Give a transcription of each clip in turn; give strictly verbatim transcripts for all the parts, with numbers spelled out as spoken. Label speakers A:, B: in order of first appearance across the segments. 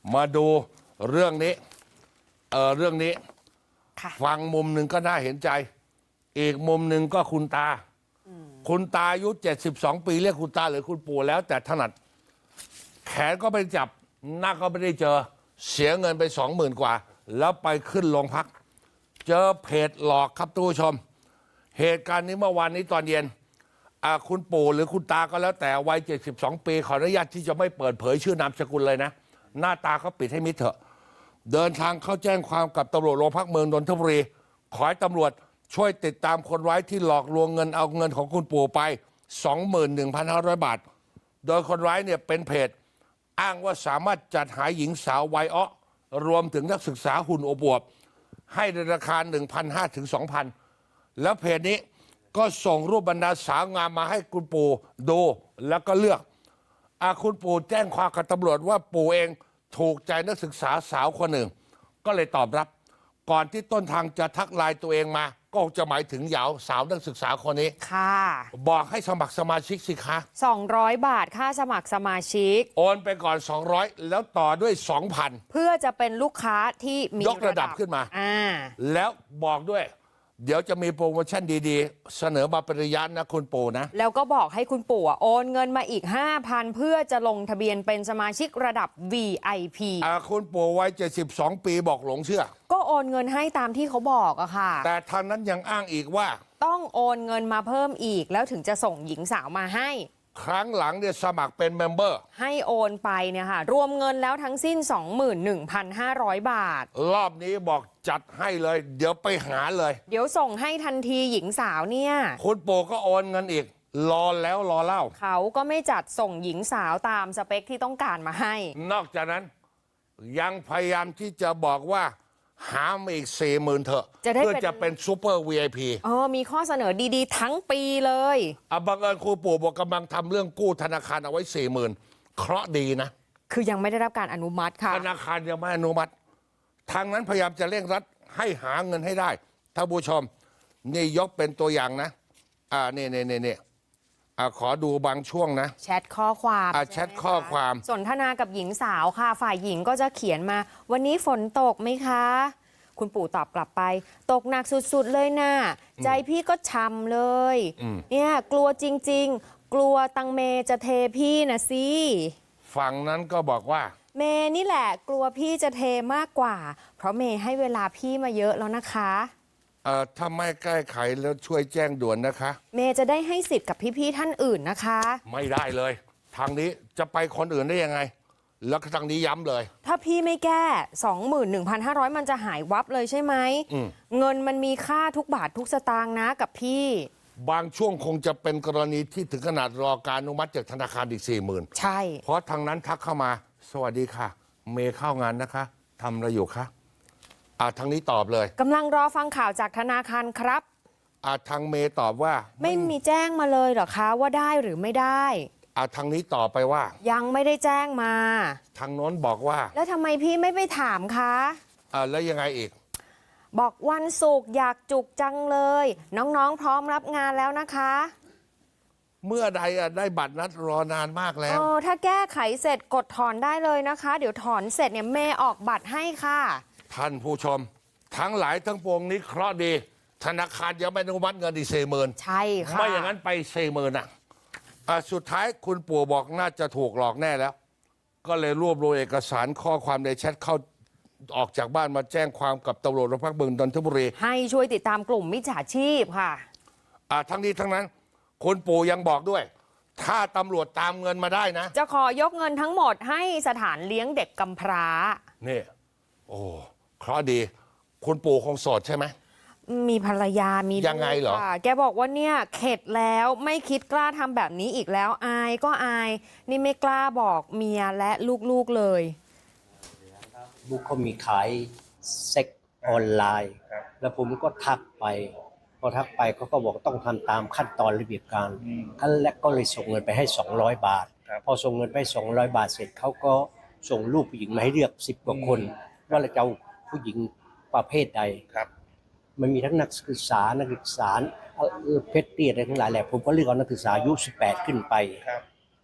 A: มาดูเรื่องนี้เออเรื่องนี้ฟังมุมหนึ่งก็น่าเห็นใจอีกมุมหนึ่งก็คุณตาคุณตาอายุเจ็ดสิบสองปีเรียกคุณตาหรือคุณปู่แล้วแต่ถนัดแขนก็ไปจับหน้าก็ไม่ได้เจอเสียเงินไปสองหมื่นกว่าแล้วไปขึ้นโรงพักเจอเพจหลอกครับทุกผู้ชมเหตุการณ์นี้เมื่อวานนี้ตอนเย็นคุณปู่หรือคุณตาก็แล้วแต่วัยเจ็ดสิบสองปีขออนุญาตที่จะไม่เปิดเผยชื่อนามสกุลเลยนะหน้าตาเขาปิดให้มิดเถอะเดินทางเข้าแจ้งความกับตำรวจโรงพักเมืองนนทบุรีขอให้ตำรวจช่วยติดตามคนร้ายที่หลอกลวงเงินเอาเงินของคุณปู่ไป สองหมื่นหนึ่งพันห้าร้อย บาทโดยคนร้ายเนี่ยเป็นเพจอ้างว่าสามารถจัดหาหญิงสาววัยอ้อรวมถึงนักศึกษาหุ่นอวบให้ในราคา หนึ่งพันห้าร้อย ถึง สองพัน แล้วเพจนี้ก็ส่งรูปบรรดาสาวงามมาให้คุณปู่ดูแล้วก็เลือกอาคุณปู่แจ้งความกับตำรวจว่าปู่เองถูกใจนักศึกษาสาวคนหนึ่งก็เลยตอบรับก่อนที่ต้นทางจะทักไลน์ตัวเองมาก็จะหมายถึงเหยาสาวนักศึกษาคนนี้
B: ค่ะ
A: บอกให้สมัครสมาชิกสิคะ
B: สองร้อยบาทค่าสมัครสมาชิก
A: โอนไปก่อนสองร้อยแล้วต่อด้วย สองพัน
B: เพื่อจะเป็นลูกค้าที่มี
A: ยกระดับขึ้นมา
B: อ่า
A: แล้วบอกด้วยเดี๋ยวจะมีโปรโมชั่นดีๆเสนอมาเป็นระยะนะคุณปู่นะ
B: แล้วก็บอกให้คุณปู่โอนเงินมาอีก ห้าพัน เพื่อจะลงทะเบียนเป็นสมาชิกระดับ วี ไอ พี
A: อ่าคุณปู่วัยเจ็ดสิบสองปีบอกหลงเชื่อ
B: ก็โอนเงินให้ตามที่เขาบอกอะค่ะ
A: แต่ทางนั้นยังอ้างอีกว่า
B: ต้องโอนเงินมาเพิ่มอีกแล้วถึงจะส่งหญิงสาวมาให้
A: ครั้งหลังเนี่ยสมัครเป็นเมมเบอร์
B: ให้โอนไปเนี่ยค่ะรวมเงินแล้วทั้งสิ้น สองหมื่นหนึ่งพันห้าร้อย บาท
A: รอบนี้บอกจัดให้เลยเดี๋ยวไปหาเลย
B: เดี๋ยวส่งให้ทันทีหญิงสาวเนี่ย
A: คุณปู่ก็โอนเงินอีกรอแล้วรอเล่า
B: เขาก็ไม่จัดส่งหญิงสาวตามสเปคที่ต้องการมาให้
A: นอกจากนั้นยังพยายามที่จะบอกว่าหามาอีกสี่หมื่นเถอะเพื่อจะเป็นซูเปอร์ วี ไอ พี
B: เออมีข้อเสนอดีๆทั้งปีเลย
A: อ่ะบังเอิญครูปู่บอกกำลังทำเรื่องกู้ธนาคารเอาไว้สี่หมื่นเคราะห์ดีนะ
B: คือยังไม่ได้รับการอนุมัติค่ะ
A: ธนาคารยังไม่อนุมัติทางนั้นพยายามจะเร่งรัดให้หาเงินให้ได้ท่านผู้ชมนี่ยกเป็นตัวอย่างนะอ่านี่นี่นี่นี่อ่าขอดูบางช่วงนะ
B: แชทข้อความ
A: อ่าแชทข้อความ
B: สนทนากับหญิงสาวค่ะฝ่ายหญิงก็จะเขียนมาวันนี้ฝนตกไหมคะคุณปู่ตอบกลับไปตกหนักสุดๆเลยนะใจพี่ก็ช้ำเลยเนี่ยกลัวจริงๆกลัวตังเมจะเทพี่นะสิ
A: ฝั่งนั้นก็บอกว่า
B: เมนี่แหละกลัวพี่จะเทมากกว่าเพราะเมให้เวลาพี่มาเยอะแล้วนะคะ
A: เอ่อถ้าไม่แก้ไขแล้วช่วยแจ้งด่วนนะคะ
B: เมจะได้ให้สิทธิ์กับพี่ๆท่านอื่นนะคะ
A: ไม่ได้เลยทางนี้จะไปคนอื่นได้ยังไงแล้วทางนี้ย้ำเลย
B: ถ้าพี่ไม่แก้ สองหมื่นหนึ่งพันห้าร้อย มันจะหายวับเลยใช่ไหมเงินมันมีค่าทุกบาททุกสตางค์นะกับพี่
A: บางช่วงคงจะเป็นกรณีที่ถึงขนาดรอการอนุมัติจากธนาคารอีกสี่หมื่น
B: ใช่
A: เพราะทางนั้นทักเข้ามาสวัสดีค่ะเมย์เข้างานนะคะทำอะไรอยู่คะอ่าทางนี้ตอบเลย
B: กำลังรอฟังข่าวจากธนาคารครับ
A: อ่าทางเมย์ตอบว่า
B: ไม่มีแจ้งมาเลยเหรอคะว่าได้หรือไม่ได้
A: อ่าทางนี้ตอบไปว่า
B: ยังไม่ได้แจ้งมา
A: ทางโน้นบอกว่า
B: แล้วทำไมพี่ไม่ไปถามคะ
A: อ่าแล้วยังไงอีก
B: บอกวันศุกร์อยากจุกจังเลยน้องๆพร้อมรับงานแล้วนะคะ
A: เมื่อใดอ่ะได้บัตรนัดรอนานมากแล้ว
B: เออถ้าแก้ไขเสร็จกดถอนได้เลยนะคะเดี๋ยวถอนเสร็จเนี่ยเมย์ออกบัตรให้ค่ะ
A: ท่านผู้ชมทั้งหลายทั้งปวงนี้เคราะห์ดีธนาคารยังไม่อนุมัติเงินอีกสี่หมื่น
B: ใช่ค่ะ
A: ไม่อย่างนั้นไปสี่หมื่นอ่ะสุดท้ายคุณปู่บอกน่าจะถูกหลอกแน่แล้วก็เลยรวบรวมเอกสารข้อความในแชทเข้าออกจากบ้านมาแจ้งความกับตำรวจโรงพักเมืองนนทบุรี
B: ให้ช่วยติดตามกลุ่มมิจฉาชีพค่ะ
A: อ่าทั้งนี้ทั้งนั้นคุณปู่ยังบอกด้วยถ้าตำรวจตามเงินมาได้นะ
B: จะขอยกเงินทั้งหมดให้สถานเลี้ยงเด็กกำพร้า
A: นี่โอ้เคราะห์ดีคุณปู่คงโสดใช่ไหม
B: มีภรรยามี
A: ยังไงเหรอ
B: แกบอกว่าเนี่ยเข็ดแล้วไม่คิดกล้าทำแบบนี้อีกแล้วอายก็อายนี่ไม่กล้าบอกเมียและลูกๆเลย
C: ลูกเขามีขายเซ็กออนไลน์แล้วผมก็ทักไปพอทักไปเขาก็บอกต้องทำตามขั้นตอนระเบียบการขั้นแรกก็เลยส่งเงินไปให้สองร้อยบาทพอส่งเงินไปสองร้อยบาทเสร็จเขาก็ส่งรูปผู้หญิงมาให้เลือกสิบกว่าคนว่าเราจะเอาผู้หญิงประเภทใดมันมีทั้งนักศึกษานักศึกษาเพชรเตี้ยอะไรทั้งหลายแหละผมก็เลือกเอานักศึกษาอายุสิบแปดขึ้นไปพ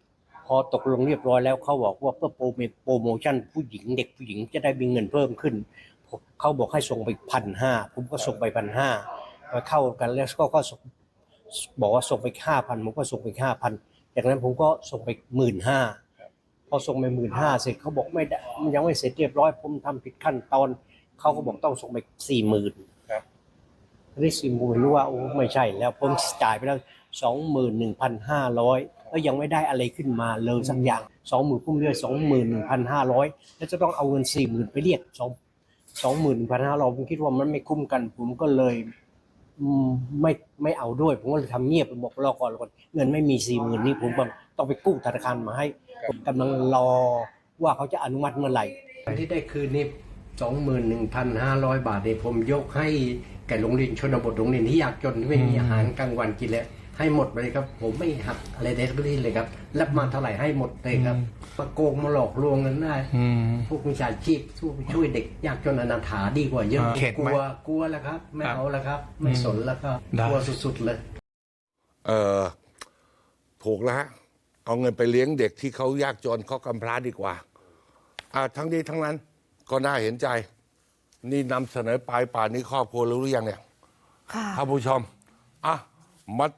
C: อตกลงเรียบร้อยแล้วเขาบอกว่าเพื่อโปรโมโปรโมชั่นผู้หญิงเด็กผู้หญิงจะได้มีเงินเพิ่มขึ้นเขาบอกให้ส่งไปพันห้าผมก็ส่งไปพันห้ามาเข้ากันแล้วก็ก็ส่งบอกว่าส่งไปห้าพันผมก็ส่งไปห้าพันจากนั้นผมก็ส่งไปหมื่นห้าพอส่งไปหมื่นห้าเสร็จเขาบอกไม่ได้มันยังไม่เสร็จเรียบร้อยผมทำผิดขั้นตอนเขาก็บอกต้องส่งไปสี่หมื่นนี่สี่หมื่นรู้ว่าโอ้ไม่ใช่แล้วผมจ่ายไปแล้วสองหมื่นหนึ่งพันห้าร้อยแล้วยังไม่ได้อะไรขึ้นมาเลยสักอย่างสองหมื่นพุ่มเรียกสองหมื่นหนึ่งพันห้าร้อยแล้วจะต้องเอาเงินสี่หมื่นไปเรียกสองสองหมื่นหนึ่งพันห้าร้อยผมคิดว่ามันไม่คุ้มกันผมก็เลยไม่ไม่เอาด้วยผมก็เลยทำเงียบบอกรอก่อนก่อนเงินไม่มีสี่หมื่นนี่ผมต้องไปกู้ธนาคารมาให้ผมกำลังรอว่าเขาจะอนุมัติเมื่อไหร่ที่ได้คืนนี้สองหมื่นหนึ่งพันห้าร้อยบาทเนี่ยผมยกให้แก่โรงเรียนชนบทโรงเรียนที่ยากจนที่ไม่มีอาหารกลางวันกินแล้วให้หมดเลยครับผมไม่หักอะไรใดทั้งสิ้นเลยครับรับมาเท่าไหร่ให้หมดเลยครับมาโกงมาหลอกลวงกันได้พวกมิจฉาชีพช่วยเด็กยากจนอนาถาดีกว่าเยอะกลัวกลัวแล้วครับไม่เอาแล้วครับ ไม่สนแล้วครับกลัวสุดๆเลย
A: เออถูกแล้วฮะเอาเงินไปเลี้ยงเด็กที่เขายากจนเขากำพร้าดีกว่าอ่าทั้งนี้ทั้งนั้นก็น่าเห็นใจนี่นำเสนอไปป่านนี้ครอบครัวรู้หรือยังเนี่ย
B: ค่ะ
A: ท่านผู้ชมอ่ะมา